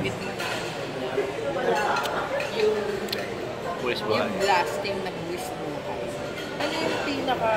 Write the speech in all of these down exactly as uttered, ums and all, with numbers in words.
Yung, Buwis yung buhay. blasting na buwis buhay. Ano yung pinaka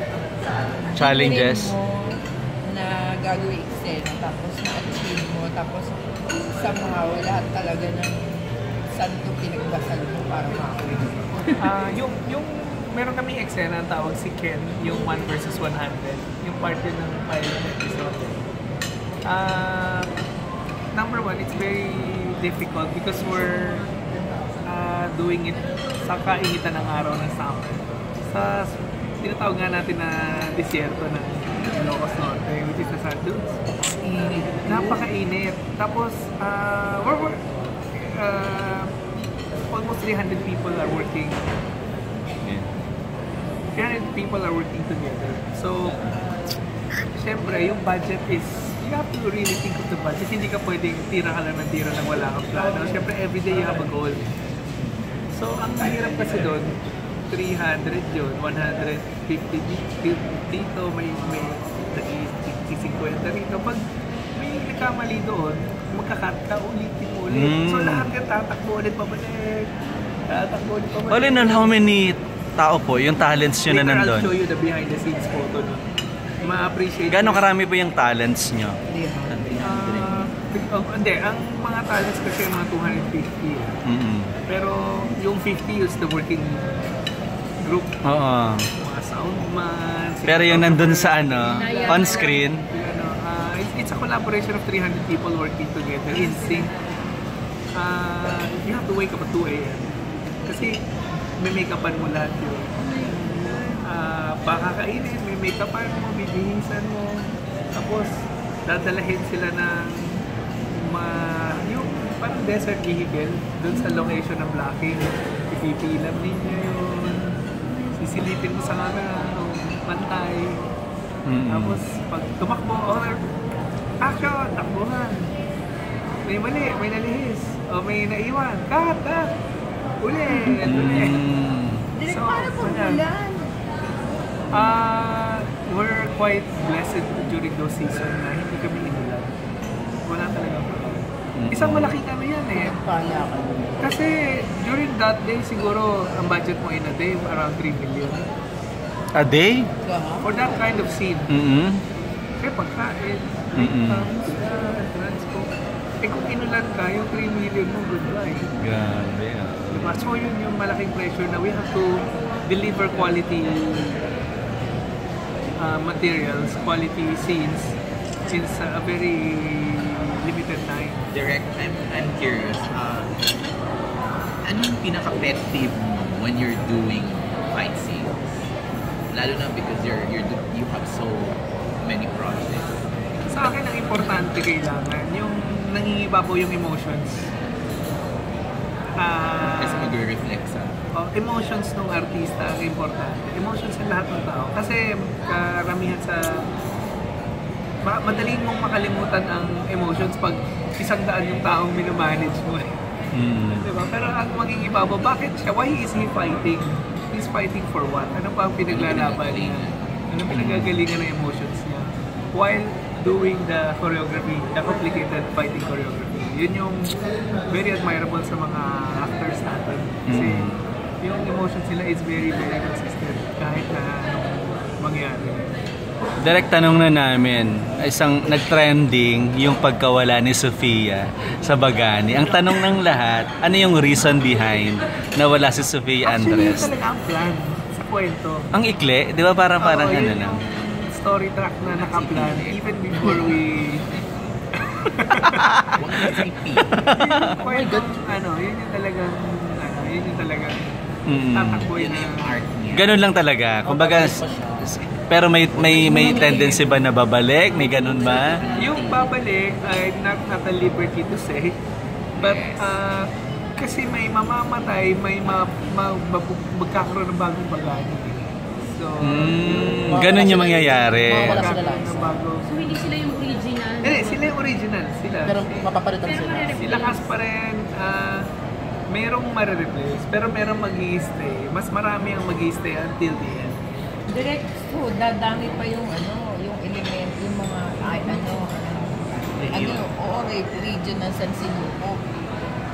Challenges? mo na gagawin eksena, tapos na-achieve mo, tapos somehow lahat talaga ng santo pinagbasal mo para makawin. Ah, yung yung meron kaming eksena ang tawag si Ken, yung one versus one hundred, yung part yun ng pilot episode. Ah, number one, it's very difficult because we're uh, doing it sa kainitan ng araw ng summer. Sa tinatawag nga natin na disyerto ng Ilocos Norte, which is the Sand Dunes. Init. Napakainit. Tapos, uh, we're, we're uh, almost three hundred people are working. Yeah. three hundred people are working together. So, syempre, yung budget is, you have to really think of the budget. Hindi ka pwedeng tira ka lang ng tira nang wala kang plano. Syempre, everyday you have a goal. So, ang mahirap kasi doon, three hundred yun, one hundred fifty dito, may may fifty rito. Pag may nagkamali doon, magkakat ka, ulitin mo ulit. Mm. So lahat ka tatakbo ulit pabalik. Tatakbo ulit pabalik. All in all, how many tao po, yung talents nyo na Later, nandun? I'll show you the behind the scenes photo nun. Ma-appreciate. Gano'ng karami po yung talents nyo? Uh, oh, hindi, ang mga talents kasi mga two hundred fifty. Mm-hmm. Pero yung fifty is the working group. Oo. Mga soundman. Pero yung nandun sa ano, on screen. Ano, uh, it's, it's a collaboration of three hundred people working together in sync. Uh, you have to wake up at two A M kasi may make-upan mo lahat yun. Uh, pakakainin, may make-upan mo, bibihisan mo. Tapos, dadalahin sila ng ma, yung parang desert vehicle dun sa location ng blocking. Ipipilam ninyo yun. Sisilipin mo sa camera, pantay. Mm-hmm. Tapos, pag tumakbo, or action, takbuhan. May mali, may nalihis. O may naiwan. Cut, cut. Ulit, ulit. Mm. Direk, So, paano po ayan. ulan? Uh, we're quite blessed during those seasons na hindi kami inulan. Wala talaga po. Isang malaking ano yan eh. Pala ka. Kasi during that day, siguro ang budget mo in a day around three million. A day? For that kind of scene. Mm-hmm. Kaya pagkain, Mm-mm. items, uh, transport. Eh kung inulan ka, yung three million mo, goodbye. Grabe ah. Diba? So yun yung malaking pressure na we have to deliver quality uh, materials, quality scenes since uh, a very limited time. Direct, I'm, I'm curious. Uh, ano yung pinaka-pet peeve mo when you're doing fight scenes? Lalo na because you're, you're, you have so many projects. Sa akin, ang importante kailangan, yung nangingiba po yung emotions. Uh, Kasi mag-reflect sa... oh, emotions ng artista ang importante. Emotions ng lahat ng tao. Kasi karamihan sa... Ma madaling mong makalimutan ang emotions pag isang daan yung taong minomanage mo. Mm. Diba? Pero ang mangingiba mo, bakit siya? Why is he fighting? He's fighting for what? Ano pa ang pinaglalaban niya? Ano pinagagalingan ng emotions niya? While doing the choreography, the complicated fighting choreography. Yun yung very admirable sa mga actors natin. Kasi Mm. yung emotions nila is very, very consistent kahit na anong mangyari. Direct tanong na namin, isang nag-trending yung pagkawala ni Sofia sa Bagani. Ang tanong ng lahat, ano yung reason behind na wala si Sofia Actually, Andres? yun talaga ang plan sa kwento. Ang ikli, di ba parang parang Oo, ano yun lang? yung story track na nakaplan even before we... Huwag na repeat. Yung kwento, ano, yun yung talagang, ano, yun yung talagang Mm. tatakboy Yun na na yung art niya. Ganun lang talaga. Kumbaga, s- s- pero may may may tendency ba na babalik? May ganun ba? Yung babalik, I'm not, not at liberty to say, but uh, kasi may mamamatay, may ma, ma, ma, magkakaroon ng bagong bagani. So, Mm, ganun yung mangyayari. Wala sila magkakaroon ng bago. So, hindi sila yung original? Eh, sila yung original. Sila. Pero mapapalitan sila. Sila kas pa rin, ah, merong marireplace, pero merong mag-i-stay. Mas marami ang mag-i-stay until the end. Direct, so dadami pa yung ano, yung element, yung mga, ay, ano, ano, ano, oo, region ng San Sinuco.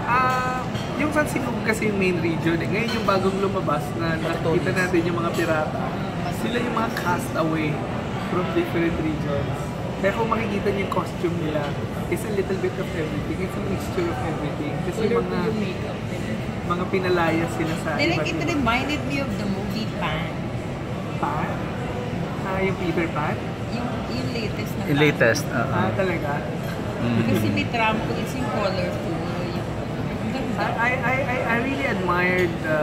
Ah, yung San Sinugo kasi yung main region eh. Ngayon yung bagong lumabas na nakikita natin yung mga pirata. Sila yung mga castaway from different regions. Kaya kung makikita niyo yung costume nila, it's a little bit of everything. It's a mixture of everything. Kasi Color mga yung makeup nila. mga pinalaya sila sa Direk, iba't it ibang- reminded me of the movie Pan. Pan? Ah, yung Peter Pan? Yung, yung latest na Yung Pan. latest. Ah, Uh-uh. talaga? Kasi may trampo, it's yung colorful. Yung, ang ganda. I, I, I, I really admired the,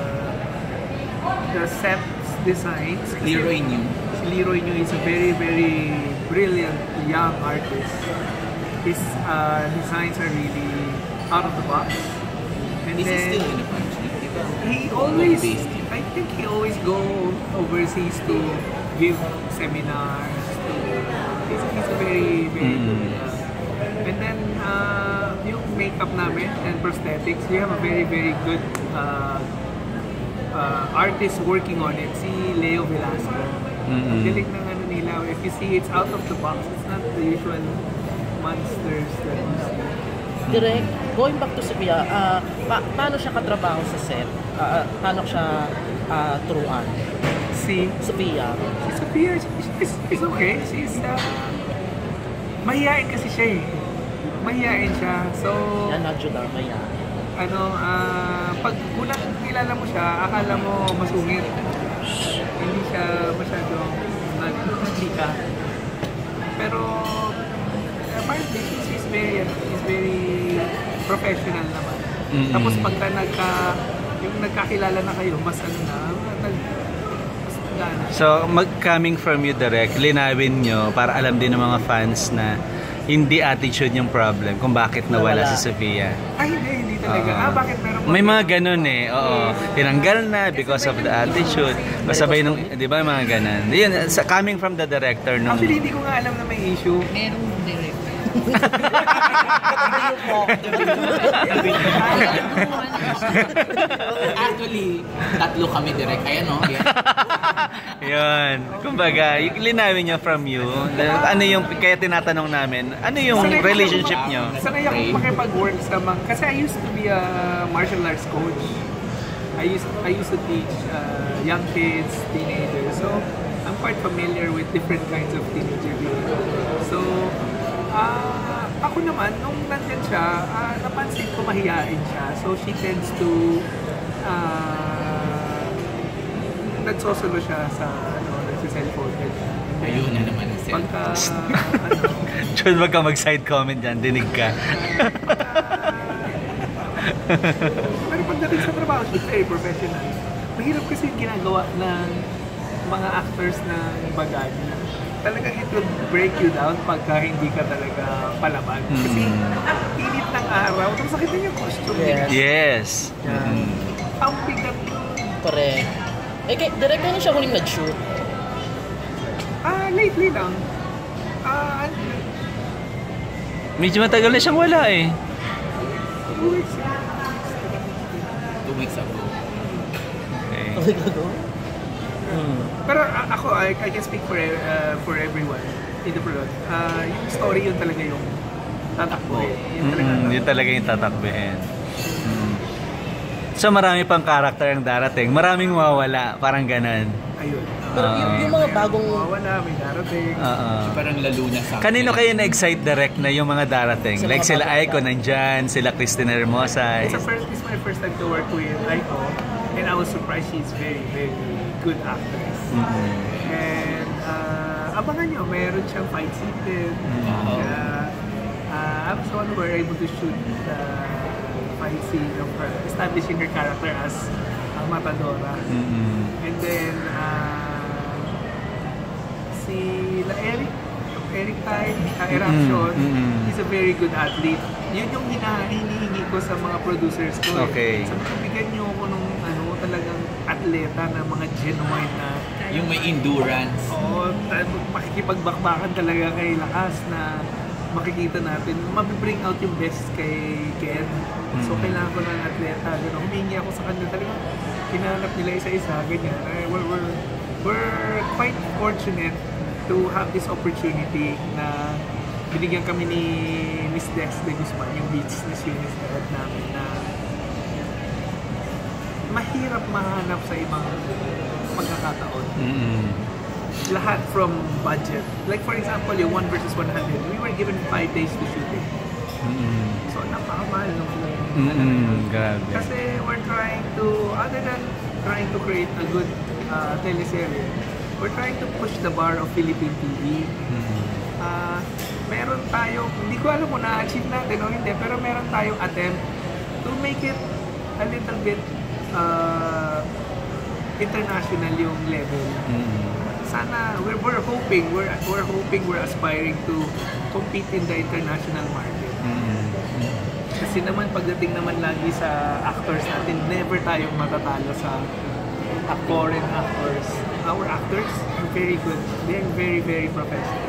the sets designs. Kasi Leroy New. Si Leroy New is a very, very brilliant young artist. His uh, designs are really out of the box. And Is he then, still in the country? Diba? he always, Home-based yun. I think he always go overseas to give seminars. To, he's, he's a very, very good. Mm. Uh, and then, uh, yung makeup namin and prosthetics, we have a very, very good uh, uh, artist working on it, si Leo Velasco. Mm-mm. Ang galing ng ano nila. If you see, it's out of the box. It's not the usual monsters that you see. Direct, going back to Sophia, ah, pa- paano siya katrabaho sa set? Ah, ah, paano siya ah, turuan? Si Sophia. Si Sophia, she's, she's okay. She's, uh, mahihain kasi siya eh. Mahihain siya. So, Yan, Nadjudar, maya. ano, ah, pag unang kilala mo siya, akala mo masungit. Hindi siya masyadong nag-lika. Pero, apparently, she's, she's very, ano, she's very professional naman. Mm-mm. Tapos pagka nagka, yung nagkakilala na kayo, mas ano na, nag, mas nagana. So, mag coming from you direct, linawin nyo para alam din ng mga fans na hindi attitude yung problem kung bakit nawala, Nawala. si Sophia. Ay, hindi, hindi talaga. Oo. ah, bakit meron May mga ganun eh. Oo. Tinanggal na because of the attitude. Kasabay nung, di ba, mga ganun. Yun, sa, coming from the director nung... Actually, hindi ko nga alam na may issue. Merong direct. Actually, tatlo kami direct. Ayan o. Yan. Yun. Kumbaga, y- linawin nyo from you. Ano yung, kaya tinatanong namin, ano yung Sanay ako- relationship nyo? Sanay ako makipag-work sa mga... Kasi I used to be a martial arts coach. I used I used to teach uh, young kids, teenagers. So, I'm quite familiar with different kinds of teenager behavior. So, ah ako naman, nung nandyan siya, ah, napansin ko mahihain siya. So, she tends to... Uh, nagsosolo siya sa, ano, nagsiselfone. Ayun na naman ang self. Pagka, ano, Chun, wag ka mag-side comment dyan. Dinig ka. pero pagdating sa trabaho, she's very professional. Mahirap kasi yung ginagawa ng mga actors ng Bagani. Talagang it will break you down pagka hindi ka talaga palaban. Kasi init ng araw, tapos nakita niyo yung costume nila. Yes. Yan. Mm. Ang bigat. Correct. Eh, kay, direct na siya huling nag-shoot. Ah, lately lang. Ah, Medyo matagal na siyang wala eh. two weeks ago. Two weeks ago. Okay. Hmm. Pero ah, ako, I, I can speak for uh, for everyone in the product. Ah, yung story yun talaga yung tatakbo eh. Yun talaga. Mm, yun talaga yung tatakbihin. Mm. So marami pang karakter ang darating. Maraming mawawala. Parang ganon. Ayun. Pero yung, yung mga bagong... Wala, may darating. Oo. Parang lalo na sa... Kanino kayo na-excite direct na yung mga darating? Sa Like mga sila bagong Aiko nandyan, sila Cristina Hermosa. It's, a first, it's my first time to work with Aiko, and I was surprised she's very, very good actress. Mm-hmm. And uh, abangan nyo, meron siyang fight scene din. Wow. Kaya, uh, I was the one who were able to shoot the fight scene of her, establishing her character as uh, Matadora. Mm-hmm. And then, uh, si La Eric, Eric Tai, uh, Eraction, Mm-mm. he's a very good athlete. Yun yung hina- hinihingi ko sa mga producers ko. eh. Okay. Sabi ko, bigyan nyo ako ng ano, talagang atleta na mga genuine na, Yung may endurance. oo, ta- makikipagbakbakan talaga kay lakas na makikita natin, mabibring out yung best kay Ken. So, Mm. kailangan ko ng atleta. Gano'n, humingi ako sa kanila talaga. Hinanap nila isa-isa, ganyan. Eh, we're, we're, we're quite fortunate to have this opportunity na binigyan kami ni Miss Dex de Guzman, yung business unit head namin, na mahirap mahanap sa ibang pagkakataon. Mm-mm. Lahat from budget. Like for example, yung one versus one hundred, we were given five days to shoot it. Mm-mm. So napakamahal nung Mm-mm. Grabe. Kasi we're trying to, other than trying to create a good uh, teleserye, we're trying to push the bar of Philippine T V. Mm-mm. Uh, meron tayong, hindi ko alam kung na-achieve natin o hindi, pero meron tayong attempt to make it a little bit uh, international yung level. Mm-mm. Sana, we're, we're hoping, we're, we're hoping, we're aspiring to compete in the international market. Mm-mm. Kasi naman, pagdating naman lagi sa actors natin, never tayong matatalo sa foreign actors. Our actors are very good. They're very, very professional.